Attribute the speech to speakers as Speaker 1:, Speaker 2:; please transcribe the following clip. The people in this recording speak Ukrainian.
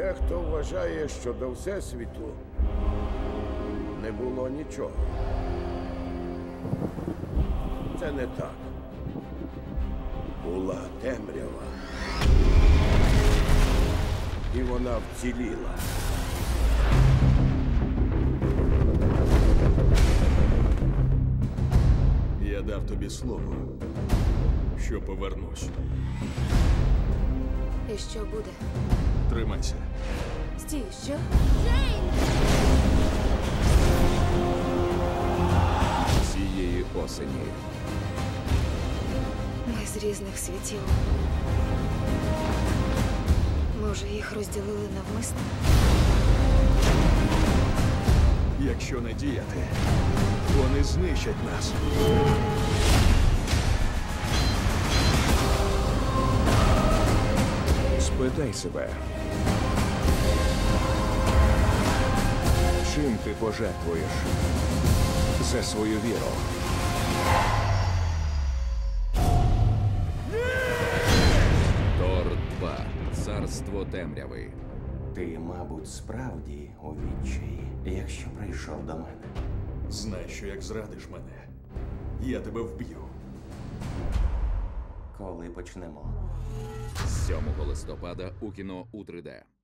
Speaker 1: Дехто вважає, що до Всесвіту не було нічого. Це не так. Була темрява. І вона вціліла.
Speaker 2: Я дав тобі слово, що повернусь.
Speaker 3: І що буде?
Speaker 2: Тримайся.
Speaker 3: Стій, що?
Speaker 4: Цієї осені
Speaker 3: Ми з різних світів. Може, їх розділили навмисно?
Speaker 2: Якщо не діяти, вони знищать нас.
Speaker 4: спитай себе. Чим ти пожертвуєш за свою віру? Тор 2. Царство темряви.
Speaker 5: Ти, мабуть, справді у відчаї, якщо прийшов до мене.
Speaker 2: Знай, що як зрадиш мене, я тебе вб'ю.
Speaker 5: Коли почнемо?
Speaker 4: 7 листопада у кіно у 3D.